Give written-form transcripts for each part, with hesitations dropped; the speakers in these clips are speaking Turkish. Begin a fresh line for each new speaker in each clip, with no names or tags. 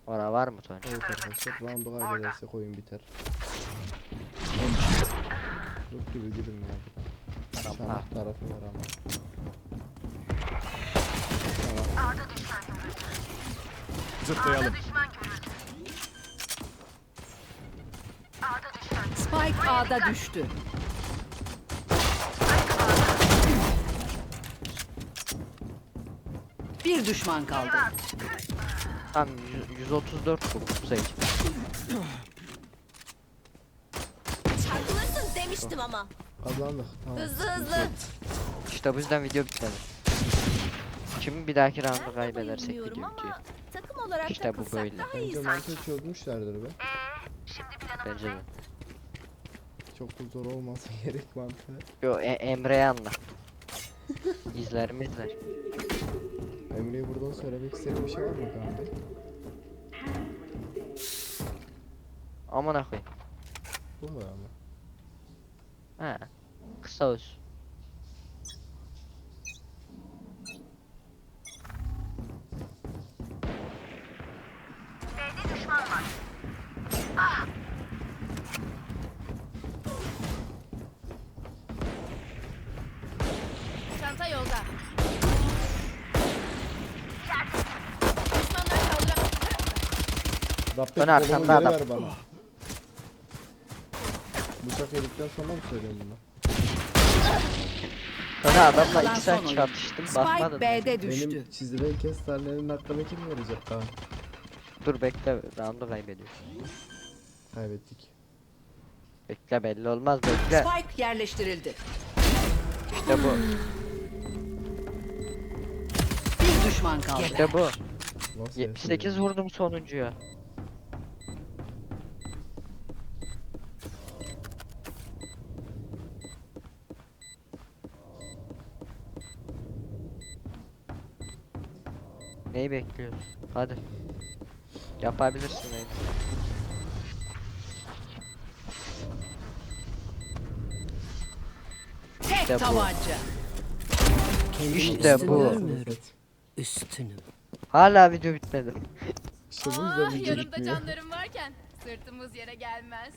Ora var mı Tony?
Evet arkadaşlar, roundu kaybedersek oyun biter. Yok gibi gidin ya buradan.
Tamam.
Çanak tarafı var ama.
Zıplayalım.
Spike A'da düştü. Bir düşman kaldı.
Tam 134 vurdum Sage.
Çarpılırsın demiştim ama.
Kazandık. Tamam.
Hızlı hızlı.
İşte bu yüzden video bitmedi. Şimdi bir dahaki roundu
Ben de
kaybedersek
bayılmıyorum
video bitiyor.
ama takım olarak
İşte bu
takılsak
böyle.
daha iyi
Bence
sanki.
mantığı çözmüşlerdir be.
Bence de.
Çok da zor olmasa gerek mantığı.
Yo Emre'ye anla. İzler mi izler?
Emre'ye buradan söylemek istediğin bir şey var mı kanka?
Amına koyayım.
Bu kadar mı?
Ha. Kısa olsun.
Çanta yolda. Düşmanlar kaldıramaz.
Rabbim
Dön
kolumu
arkanda
geri
adam.
ver bana. Bıçak yedikten sonra mı söylüyorsun bunu?
Sana adamla
Kalan
2
son
saat
oyun.
çarpıştım
Spike
bakmadın.
B'de düştü.
Benim çizilen kestanelerin hakkını kim verecek daha?
Dur bekle roundu kaybediyor.
Kaybettik.
Bekle belli olmaz bekle.
Spike yerleştirildi.
İşte bu.
Bir düşman kaldı.
İşte bu.
Nasıl
78 vurdum sonuncuya. Neyi bekliyoruz? Hadi. Yapabilirsin Eyüp.
Tek
İşte bu.
tabanca.
İşte bu.
Evet.
Üstünüm.
Hala video bitmedi.
İşte bu yüzden video
Yanımda
bitmiyor.
canlarım varken sırtımız yere gelmez.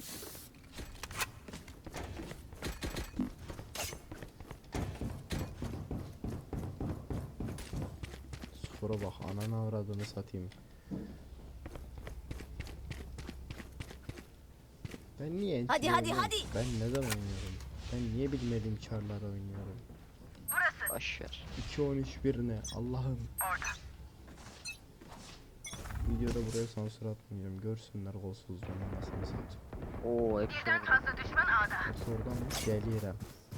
Skora bak, ananı avradını satayım. Ben niye
Hadi,
entry
hadi,
oynuyorum?
hadi.
Ben neden oynuyorum? Ben niye bilmediğim çarlar oynuyorum?
Boşver.
2-13-1 ne? Allah'ım. Videoda buraya sansür atmayacağım. Görsünler golsuzluğunu nasıl satayım.
Oo hepsi vurdu.
Oradan mı? Gelirim.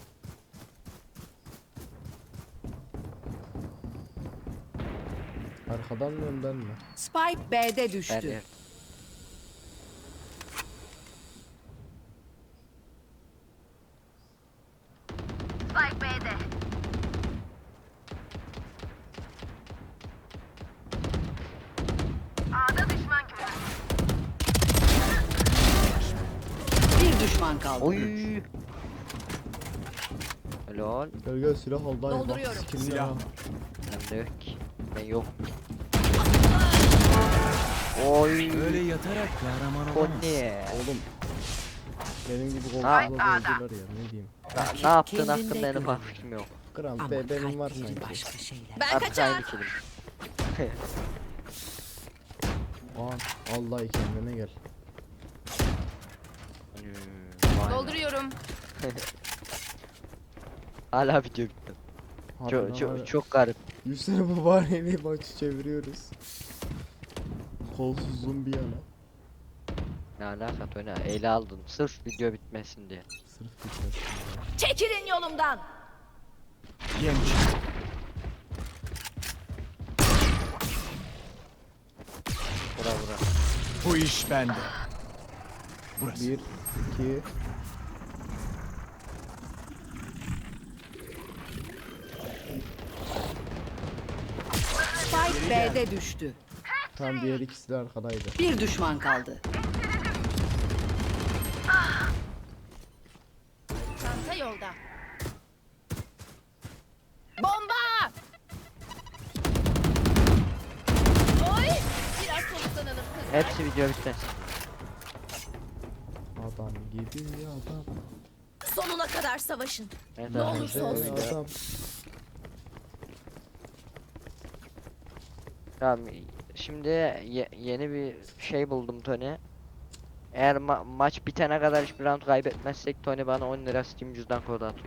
Arkadan mı önden mi?
Spike B'de düştü.
Ben
Spike B'de. A'da düşman görüldü.
Bir düşman kaldı.
Oy. Helal.
Gel gel, silah al dayı. Bak
Dolduruyorum.
skill'ine
Silah
bak.
var.
Bende yok ki. Ben yok. Oy.
Öyle yatarak kahraman olamaz.
Tony.
Oğlum. Benim gibi
Ha.
golsuzluğa öldüler ya, ne diyeyim.
Ne yaptın
Kendinde
hakkında en
görün.
ufak fikrim yok.
Kral
Ama
be, benim var
kalpleri
sanki.
başka şeyler.
Ben
Artık
kaçar.
aynı kelim.
Aa, Allah kendine gel.
Vay be.
Dolduruyorum.
Hala video bitti.
Harbiden
Çok,
var ya.
çok, çok garip.
100 sene babaanneyle maçı çeviriyoruz. Kolsuzluğun bir yana.
Ne alaka Tony? Ele aldın. Sırf video bitmesin diye.
Sırf bitmesin ya.
Çekilin yolumdan.
Genç.
Bura bura.
Bu iş bende. Burası.
1, 2,
Spike B'de düştü.
tam diğer ikisi de arkadaydı.
Bir düşman kaldı.
Çanta yolda. Bomba! Oy! Biraz soluklanalım.
Hepsi video bitmesin.
Adam gibi adam.
Sonuna kadar savaşın.
Evet,
Ne
arkadaşlar,
olursa
bu
olsun.
video-
Adam.
Tamam. Şimdi yeni bir şey buldum Tony. Eğer maç bitene kadar hiçbir round kaybetmezsek Tony bana 10 lira Steam cüzdan kodu atıyor.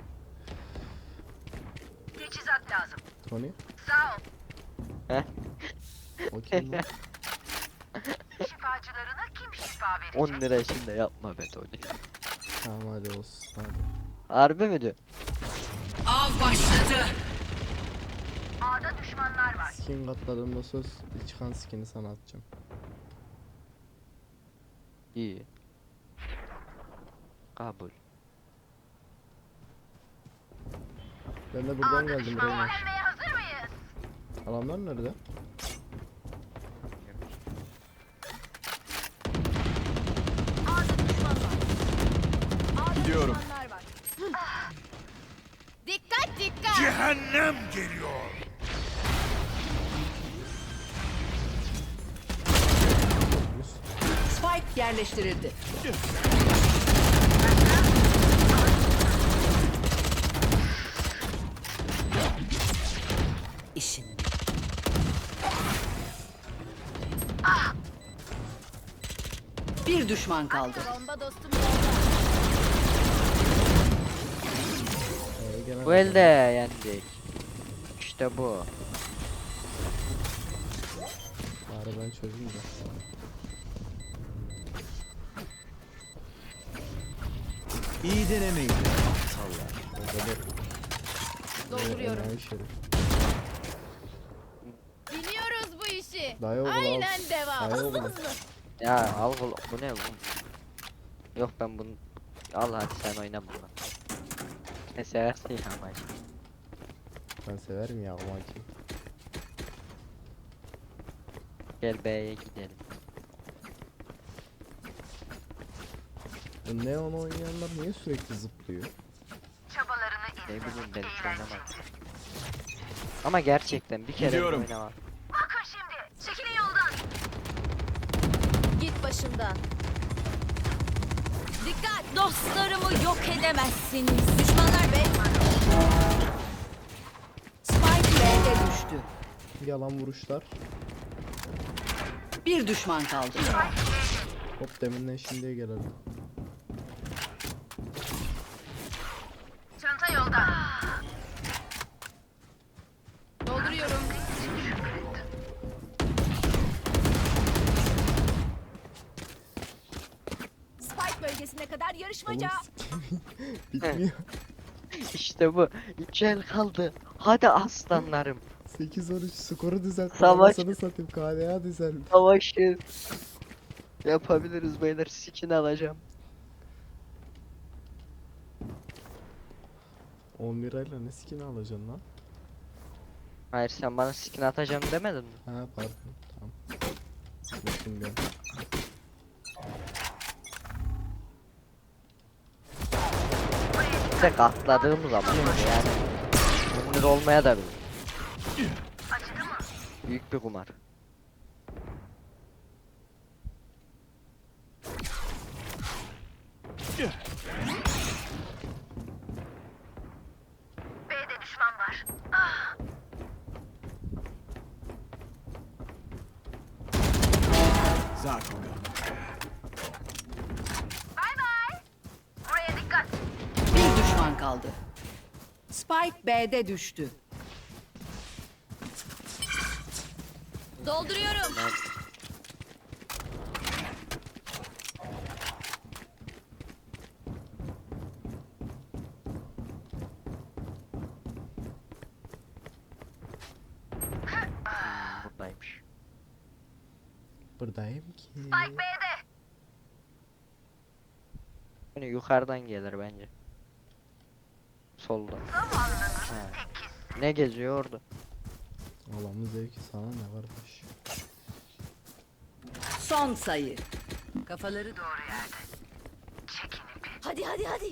Teçhizat lazım.
Tony.
Sağ ol.
Heh.
O kim lan?
Şifacılarına kim şifa verecek?
10 lira için de yapma be Tony.
Tamam hadi olsun hadi.
Harbi mi diyor?
Av başladı.
A'da düşmanlar var.
Skin katladığımda söz çıkan skin'i sana atacağım.
İyi. Kabul.
Ben de buradan geldim buraya.
Öğrenmeye hazır mıyız?
Adamlar nerede?
A'da düşman var. A'da
Gidiyorum.
düşmanlar var. Dikkat dikkat.
Cehennem geliyor.
Spike yerleştirildi. İşin. Bir düşman kaldı.
Bomba dostum yolda.
Gene
Bu elde yendik. İşte bu.
Bari ben çözeyim de.
İyi denemeyin.
Dolduruyorum.
Enayi şerif.
Biliyoruz bu işi.
Dayı oğlu al.
Aynen devam.
Dayı
Hızlı
oğlu.
hızlı.
Ya al bu ne bu? Yok ben bunu al hadi sen oyna bunu. Ne seversin ya maç.
Ben severim ya o maçı.
Gel B'ye gidelim.
Bu Neon oynayanlar niye sürekli zıplıyor?
Çabalarını
Ne bileyim ben hiç oynamadım. Ama gerçekten bir kere
Gidiyorum.
oynamam.
Bakın şimdi. Çekilin yoldan. Git başımdan. Dikkat. Dostlarımı yok edemezsiniz. Düşmanlar be.
Spike B'de düştü.
Yalan vuruşlar.
Bir düşman kaldı.
Hop deminden şimdiye gelelim.
Çanta yolda. Dolduruyorum. Spike bölgesine kadar yarışmaca.
Oğlum bitmiyor.
İşte bu. 3 el kaldı. Hadi aslanlarım.
8-13 skoru düzelt.
Savaş.
Anasını satayım KDA düzel.
Savaşı. Yapabiliriz beyler. Skin alacağım.
10 lirayla ne skin alacaksın lan?
Hayır sen bana skin atacağım demedin mi?
Ha pardon tamam. Unuttum ben.
Bir de katladığım zaman yani. Bunlar olmaya da bilir. Büyük bir kumar.
B'de düşman var.
Zarkoga.
Bay bay. Buraya dikkat.
Bir düşman kaldı. Spike B'de düştü.
Dolduruyorum.
Ben... Buradaymış.
Buradayım ki.
Spike B'de.
Yani yukarıdan gelir bence. Soldan. Ha. Ne geziyor orada?
Allah'ın zevki sana ne varmış.
Son sayı. Kafaları doğru.
Hadi hadi hadi.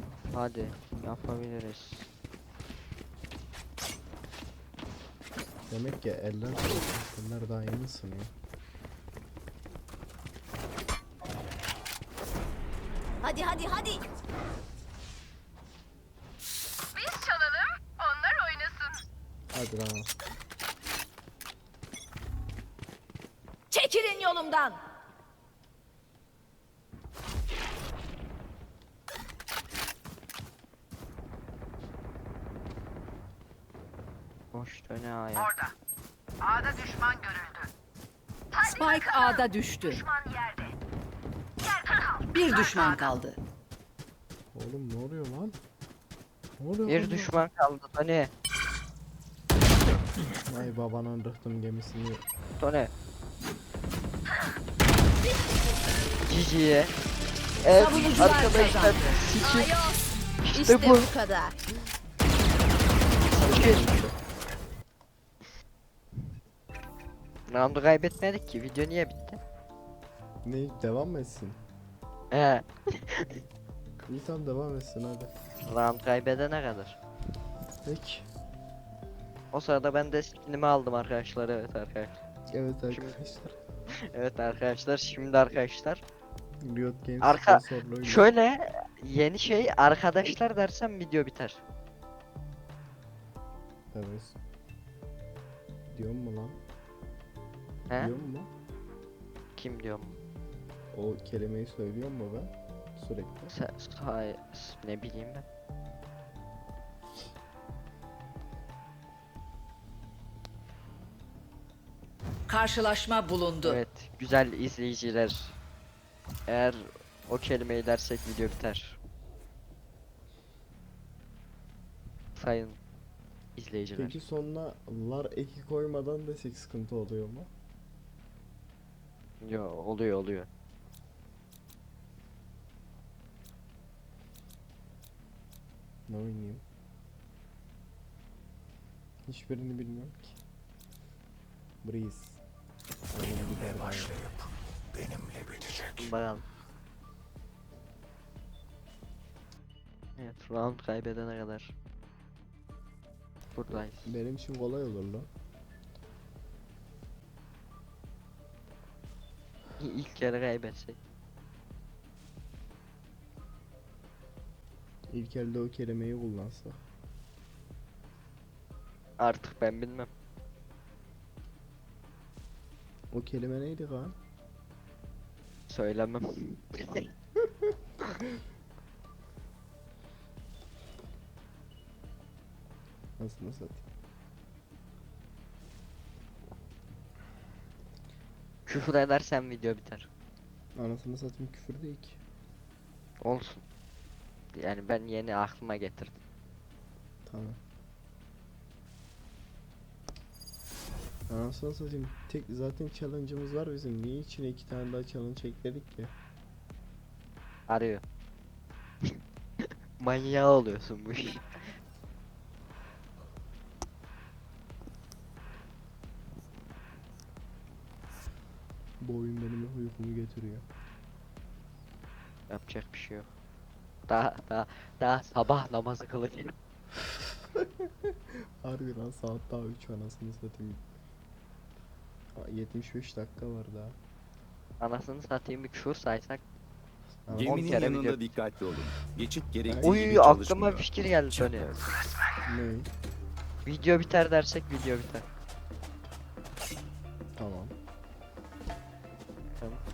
Hadi yapabiliriz.
Demek ki eller soğuk. Bunlar daha yeni ısınıyor.
Hadi hadi hadi.
Biz çalalım, onlar oynasın.
Hadi lan.
Çekilin yolumdan.
Boş döne aya.
A'da düşman görüldü.
Spike A'da düştü.
Düşman yerde.
Bir düşman kaldı.
Oğlum ne oluyor lan? Ne oluyor
Bir
lan?
düşman kaldı Tony.
Ay babanın rıhtım gemisini.
Tony. GG'ye. Evet
Savunucular
arkadaşlar.
kazandı.
Sikim.
Ayos.
İşte
İşte
bu.
bu kadar.
Round'u kaybetmedik ki. Video niye bitti?
Ne devam mı etsin?
He.
İyi tamam devam etsin hadi.
Round kaybedene kadar.
Peki.
O sırada ben de skinimi aldım arkadaşlar. Evet arkadaşlar.
Evet
Şimdi-
arkadaşlar.
Evet arkadaşlar. Şimdi arkadaşlar.
Riot Games
Arka-
sponsorluğuyla.
Şöyle yeni şey arkadaşlar dersem video biter.
Evet. Diyor mu lan?
He?
Diyor mu?
Kim diyorum?
O kelimeyi söylüyor mu ben? Sürekli.
Ne bileyim ben.
Karşılaşma bulundu.
Evet, güzel izleyiciler. Eğer o kelimeyi dersek video biter. Sayın izleyiciler.
Peki sonuna lar eki koymadan desek sıkıntı oluyor mu?
Yo, oluyor.
Ne oynayayım? Hiçbirini bilmiyorum ki. Breeze. Benimle
Başlayıp benimle bitecek.
Bakalım. Evet, round kaybedene kadar. Buradayız.
Benim için kolay olur lan.
İlk kere kaybetsek.
İlk elde o kelimeyi kullansa.
Artık ben bilmem.
O kelime neydi kan?
Söylemem.
Nasıl satayım?
Küfür edersen video biter.
Anasını satayım küfür değil ki.
Olsun. Yani ben yeni aklıma getirdim.
Tamam. Anasını satayım. Tek zaten challenge'ımız var bizim. Niye içine iki tane daha challenge ekledik ki?
Arıyor. Manyağı oluyorsun bu iş.
Bu oyun benim uykumu getiriyor.
Yapacak bir şey yok. Daha sabah namazı kılacağım.
Harbi lan saat daha 3 anasını satayım. 75 dakika var daha.
Anasını satayım bir küfür saysak.
Anasını-
On
Geminin
kere
yanında
video-
dikkatli olun. Geçit gerektiği
Uy
gibi
aklıma
çalışmıyor.
bir fikir geldi Tony.
Ne?
Video biter dersek video biter.
Tamam.
Tamam.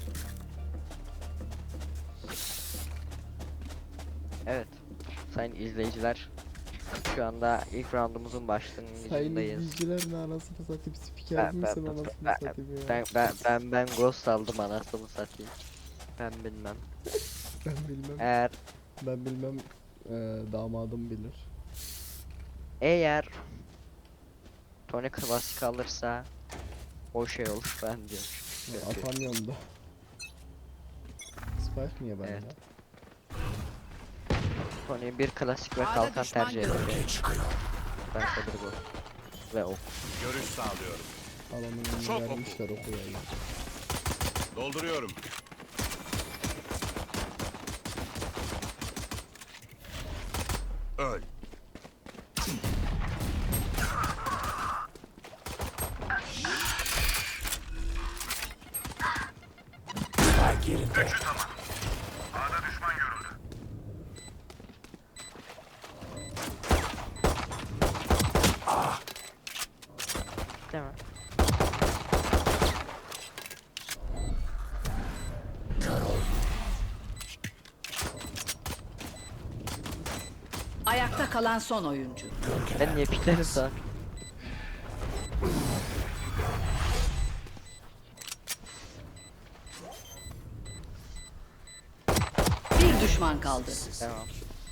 Evet. Sayın izleyiciler. Şu anda ilk roundumuzun
Sayın
başlangıcındayız.
izleyiciler ne anasını satayım spiker
Ben-
misin
ben-
anasını
ben-
satayım ya.
Ben ghost aldım anasını satayım. Ben bilmem.
Ben bilmem.
Eğer
Ben bilmem. Damadım bilir.
eğer Tony klasik alırsa o şey olur ben diyorum.
Atamıyorum da. Spike niye bende?
Evet. Tony bir klasik ve
A'da
kalkan
düşman
tercih ediyor.
Gölge çıkıyor.
Ben de bu. Ve ok.
Görüş sağlıyorum.
Alanın
Çok
önüne vermişler okuyayım.
Dolduruyorum. Öl.
Değil mi?
Ayakta kalan son oyuncu.
Ben niye piklerim sana?
Bir düşman kaldı.
Tamam.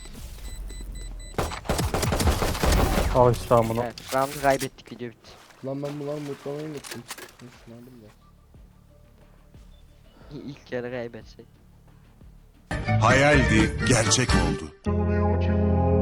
Al işte amına.
Evet, round'u kaybettik, video bitti.
Lan ben bunları mutlamaya gittim. Şunu aldım da.
İlk yarı kaybetsek.
Hayaldi, gerçek oldu.